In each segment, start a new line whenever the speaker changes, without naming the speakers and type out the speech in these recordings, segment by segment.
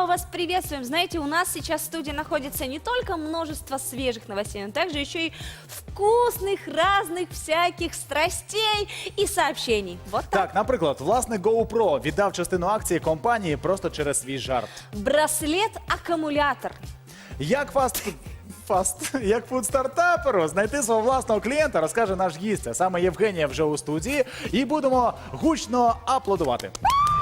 снова вас приветствуем. Знаете, у нас сейчас в студии находится не только множество свежих новостей, но также еще и вкусных, разных всяких страстей и сообщений. Вот так.
Так, наприклад, власник GoPro віддав частину акції компанії просто через свій жарт.
Браслет-аккумулятор.
Як фуд-стартаперу знайти свого власного клієнта, розкаже наш гість. А саме Євгенія вже у студії. І будемо гучно аплодувати.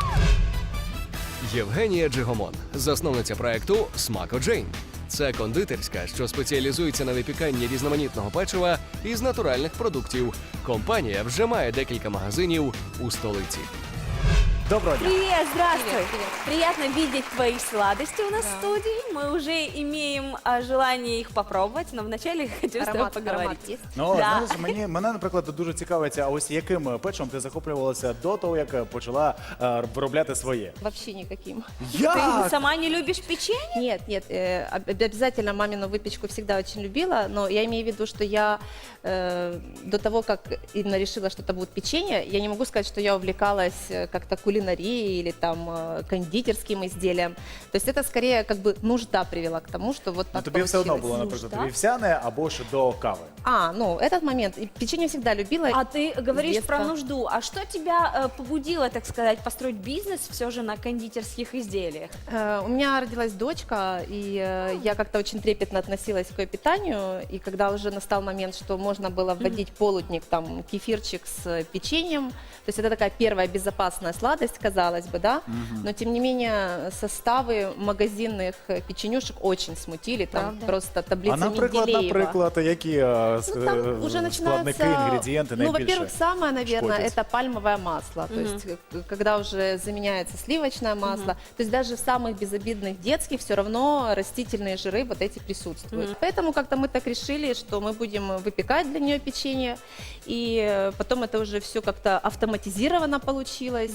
Євгенія Джигомон, засновниця проекту «Смако Джейн». Це кондитерська, що спеціалізується на випіканні різноманітного печива із натуральних продуктів. Компанія вже має декілька магазинів у столиці.
Доброго дня.
Привет, здравствуй.
Привет, привет.
Приятно видеть твои сладости у нас в студии. Мы уже имеем желание их попробовать, но вначале хотим с тобой
Аромат
поговорить.
есть?
Ну,
Да.
знаєш, мене, наприклад, дуже цікавиться, а ось яким печивом ти захоплювалася до того, як почала виробляти своє?
Вообще никаким.
Ты
Як?
сама не любишь печенье?
Нет, обязательно мамину выпечку всегда очень любила, но я имею в виду, что я до того, как именно решила, что это будет печенье, я не могу сказать, что я увлекалась как-то кулинарией или там кондитерским изделием. То есть это скорее как бы нужда привела к тому, что вот
Ну,
так
тобі все одно було,
получилось.
наприклад,
да?
вівсяне або ж до кави.
Ну, этот момент. И печенье всегда любила.
А ты говоришь
детства.
про нужду. А что тебя побудило, так сказать, построить бизнес все же на кондитерских изделиях?
У меня родилась дочка, и я как-то очень трепетно относилась к ее питанию. И когда уже настал момент, что можно было вводить полудник, там, кефирчик с печеньем, то есть это такая первая безопасная сладость, казалось бы, да? Но тем не менее составы магазинных печенюшек очень смутили, там
Правда?
просто таблица
А наприклад, які
Ну, там уже
складники,
начинается,
інгредієнти
ну,
найбільше?
во-первых, самое, наверное,
шкодять?
это пальмовое масло. То есть, когда уже заменяется сливочное масло, то есть даже в самых безобидных детских все равно растительные жиры вот эти присутствуют. Поэтому как-то мы так решили, что мы будем выпекать для нее печенье, и потом это уже все как-то автоматизировано получилось.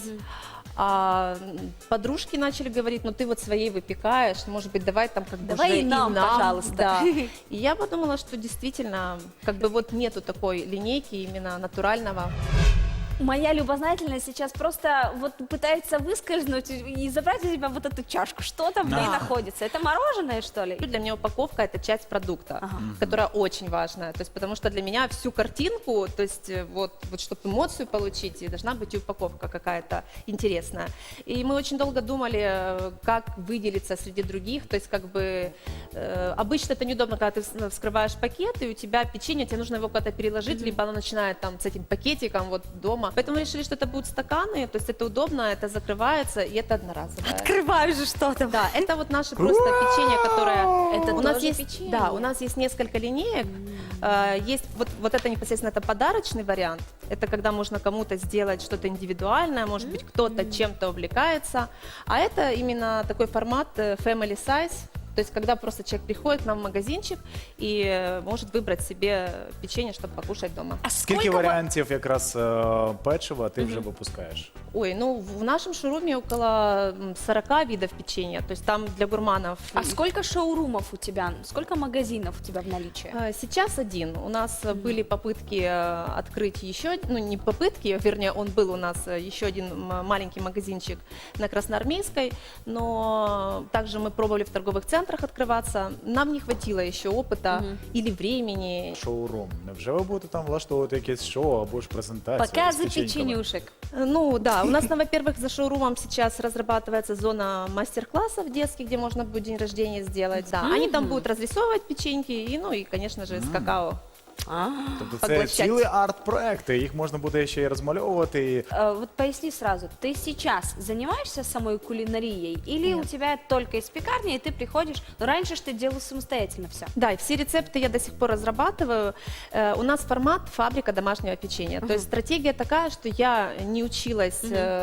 А подружки начали говорить, ну ты вот своей выпекаешь, может быть, давай там как бы
Давай
уже
и нам, пожалуйста.
Да. И я подумала, что действительно, как бы вот нету такой линейки именно натурального.
Моя любознательность сейчас просто вот пытается выскользнуть и забрать у тебя вот эту чашку. Что там в ней
Да.
находится? Это мороженое, что ли?
Для меня упаковка – это часть продукта,
Ага.
которая очень важная. То есть, потому что для меня всю картинку, то есть вот чтобы эмоцию получить, и должна быть и упаковка какая-то интересная. И мы очень долго думали, как выделиться среди других. То есть как бы обычно это неудобно, когда ты вскрываешь пакет, и у тебя печенье, тебе нужно его куда-то переложить, либо оно начинает там с этим пакетиком вот дома. Поэтому мы решили, что это будут стаканы, то есть это удобно, это закрывается, и это одноразовое.
Открываю же что-то.
Да, это вот наше просто печенье, которое
Это
у нас
тоже
есть.
печенье?
Да, у нас есть несколько линеек. Есть вот это непосредственно это подарочный вариант. Это когда можно кому-то сделать что-то индивидуальное, может быть кто-то чем-то увлекается. А это именно такой формат family size. То есть, когда просто человек приходит к нам в магазинчик и может выбрать себе печенье, чтобы покушать дома.
А
Скільки
сколько
варіантів якраз печива ти вже випускаєш?
Ой, ну в нашем шоуруме около 40 видов печенья. То есть там для гурманов.
А сколько шоурумов у тебя? Сколько магазинов у тебя в наличии?
Сейчас один. У нас были попытки открыть еще, ну не попытки, вернее, он был у нас еще один маленький магазинчик на Красноармейской, но также мы пробовали в торговых центрах открываться. Нам не хватило еще опыта или времени.
Шоурум. Невже ви будете там влаштовувати якесь шоу або ж презентацію? з
Показы
печеньками?
печенюшек.
Ну да, у нас, во-первых, за шоурумом сейчас разрабатывается зона мастер-классов детских, где можно будет день рождения сделать. Да, они там будут разрисовывать печеньки и, ну и, конечно же, с какао.
Тобто це
Поглощать.
цілий арт-проекти, їх можна буде ще й розмальовувати. І...
Вот поясни сразу, ты сейчас занимаешься самой кулинарией или у тебя только из пекарни, и ты приходишь, но раньше ж ты делала самостоятельно все?
Да, и все рецепты я до сих пор разрабатываю. У нас формат фабрика домашнего печенья. То есть стратегия такая, что я не училась,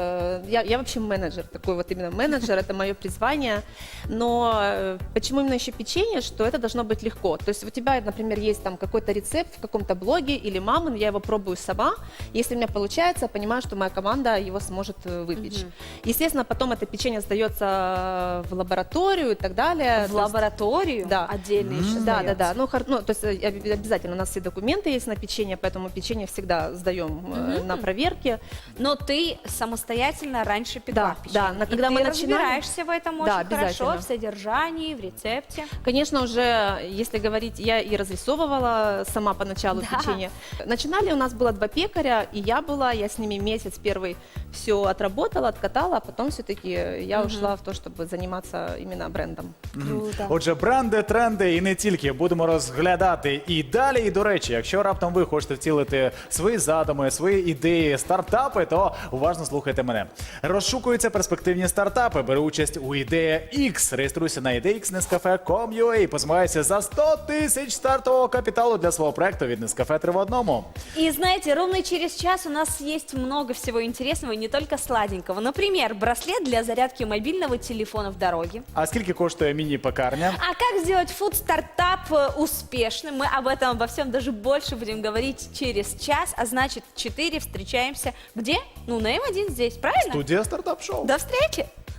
я вообще менеджер, такой вот именно менеджер, это мое призвание. Но почему именно еще печенье, что это должно быть легко. То есть у тебя, например, есть там какой-то рецепт, в каком-то блоге или мамы, я его пробую сама. Если у меня получается, я понимаю, что моя команда его сможет выпечь. Естественно, потом это печенье сдается в лабораторию и так далее.
В
То есть-
лабораторию
Да.
отдельно еще
Да,
сдается.
да, да. Ну, то есть обязательно у нас все документы есть на печенье, поэтому печенье всегда сдаем на проверке.
Но ты самостоятельно раньше пекла
Да,
печенье.
да, но
И
когда
ты
мы начинали-
разбираешься в этом
Да,
очень хорошо,
обязательно.
в содержании, в рецепте.
Конечно, уже, если говорить, я и разрисовывала сама поначалу
Да.
печенье. Начинали у нас было 2 пекаря, и я с ними месяц первый все отработала, откатала, а потом все-таки я ушла в то, чтобы заниматься именно брендом.
Круто.
Отже, бренди, тренди і не тільки будемо розглядати і далі. І, до речі, якщо раптом ви хочете втілити свої задуми, свої ідеї, стартапи, то уважно слухайте мене. Розшукуються перспективні стартапи. Бери участь у Ідея X. Реєструйся на ideaxnescafe.com.ua і позмагайся за 100 тисяч стартового капіталу для свого проекту від Nescafe 3 в 1.
И знаете, ровно через час у нас есть много всего интересного, и не только сладенького. Например, браслет для зарядки мобильного телефона в дороге.
А скільки коштує міні-пекарня?
А как сделать фуд-стартап успешным? Мы об этом, обо всем даже больше будем говорить через час. А значит, 4 встречаемся где? Ну, на М1 здесь, правильно?
Студія стартап-шоу.
До встречи!